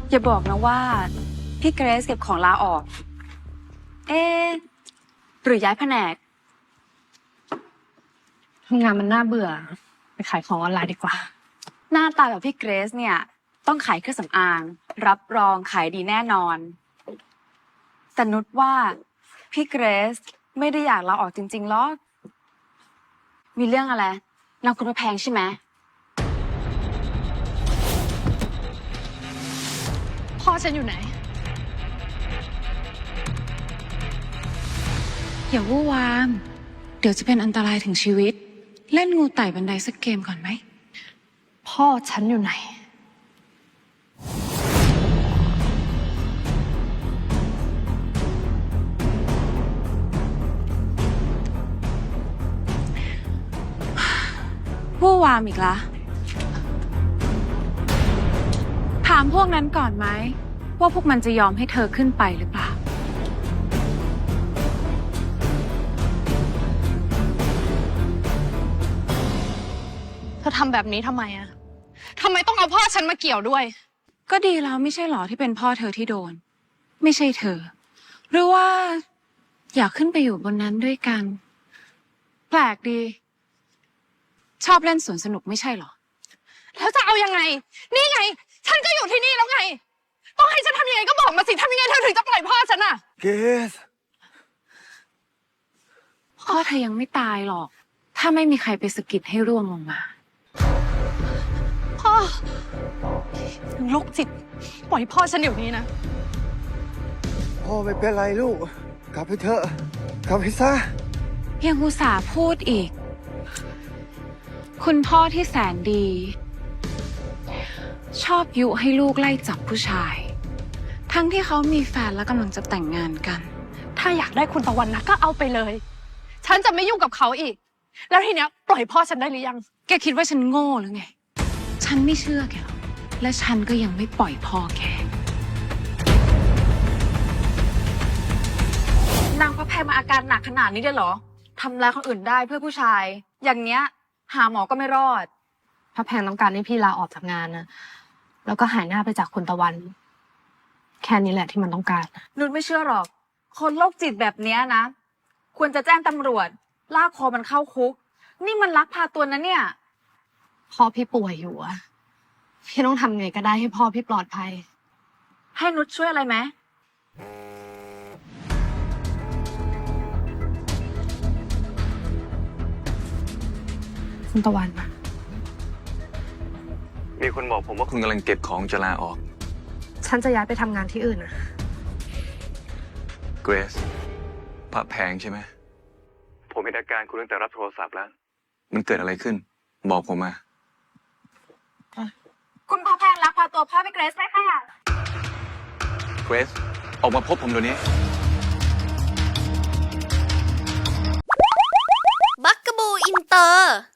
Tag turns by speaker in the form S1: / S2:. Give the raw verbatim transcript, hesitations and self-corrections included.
S1: อย่าบอกนะว่าพี่เกรซเก็บของลาออก เอ๊ะหรือย้ายแผนก
S2: ทำงานมันน่าเบื่อไปขายของออนไลน์ดีกว่า
S1: หน้าตาแบบพี่เกรซเนี่ยต้องขายเครื่องสำอางรับรองขายดีแน่นอนแต่นุชว่าพี่เกรซไม่ได้อยากลาออกจริงๆหรอกมีเรื่องอะไรนางคุณพระแพงใช่ไหม
S2: พ่อฉันอยู่ไหน
S3: อย่าวู่วามเดี๋ยวจะเป็นอันตรายถึงชีวิตเล่นงูไต่บันไดสักเกมก่อนไหม
S2: พ่อฉันอยู่ไหน
S3: วู่วามอีกละถามพวกนั้นก่อนไหมว่าพวกมันจะยอมให้เธอขึ้นไปหรือเปล่า
S2: เธอทำแบบนี้ทำไมอะทำไมต้องเอาพ่อฉันมาเกี่ยวด้วย
S3: ก็ดีแล้วไม่ใช่หรอที่เป็นพ่อเธอที่โดนไม่ใช่เธอหรือว่าอยากขึ้นไปอยู่บนนั้นด้วยกันแปลกดีชอบเล่นสวนสนุกไม่ใช่หรอ
S2: แล้วจะเอายังไงนี่ไงฉันก็อยู่ที่นี่แล้วไงต้องให้ฉันทำยังไงก็บอกมาสิทำยังไงเธอถึงจะปล่อยพ่อฉันอะ
S4: เกส
S3: พ่อเธอยังไม่ตายหรอกถ้าไม่มีใครไปสะกิดให้ร่วงลงมา
S2: พ่อโรคจิตปล่อยพ่อฉันเดี๋ยวนี้นะ
S4: พ่อไม่เป็นไรลูกกลับไปเถอะกลับไปซะ
S3: ยังอุตส่าห์พูดอีกคุณพ่อที่แสนดี ชอบยุให้ลูกไล่จับผู้ชายทั้งที่เขามีแฟนและกำลังจะแต่งงานกัน
S2: ถ้าอยากได้คุณตะวันนะก็เอาไปเลยฉันจะไม่ยุ่งกับเขาอีกแล้วทีเนี้ยปล่อยพ่อฉันได้หรือยัง
S3: แกคิดว่าฉันโง่หรือไงฉันไม่เชื่อแกหรอกและฉันก็ยังไม่ปล่อยพ่อแก
S1: นางพระแพงมาอาการหนักขนาดนี้เลยเหรอทำร้ายคนอื่นได้เพื่อผู้ชายอย่างเนี้ยหาหมอก็ไม่รอด
S2: พระแพงต้องการให้พี่ลาออกจากงานนะแล้วก็หายหน้าไปจากคุณตะวันแค่นี้แหละที่มันต้องการ
S1: นุชไม่เชื่อหรอกคนโรคจิตแบบเนี้ยนะควรจะแจ้งตำรวจลากคอมันเข้าคุกนี่มันลักพาตัวนะเนี่ย
S2: พ่อพี่ป่วยอยู่อะพี่ต้องทำไงก็ได้ให้พ่อพี่ปลอดภัย
S1: ให้นุชช่วยอะไรไหม
S2: คุณตะวัน
S4: มีคนบอกผมว่าคุณกำลังเก็บของจะลาออก
S2: ฉันจะย้ายไปทำงานที่อื่นอะ
S4: เกรซพระแพงใช่ไหมผมเห็นอาการคุณตั้งแต่รับโทรศัพท์แล้วมันเกิดอะไรขึ้นบอกผมมา
S1: คุณพระแพงลักพาตัวพ่อไปเกรซไหมคะ
S4: เกรซออกมาพบผมเดี๋ยวนี้
S5: บักกะบูอินเตอร์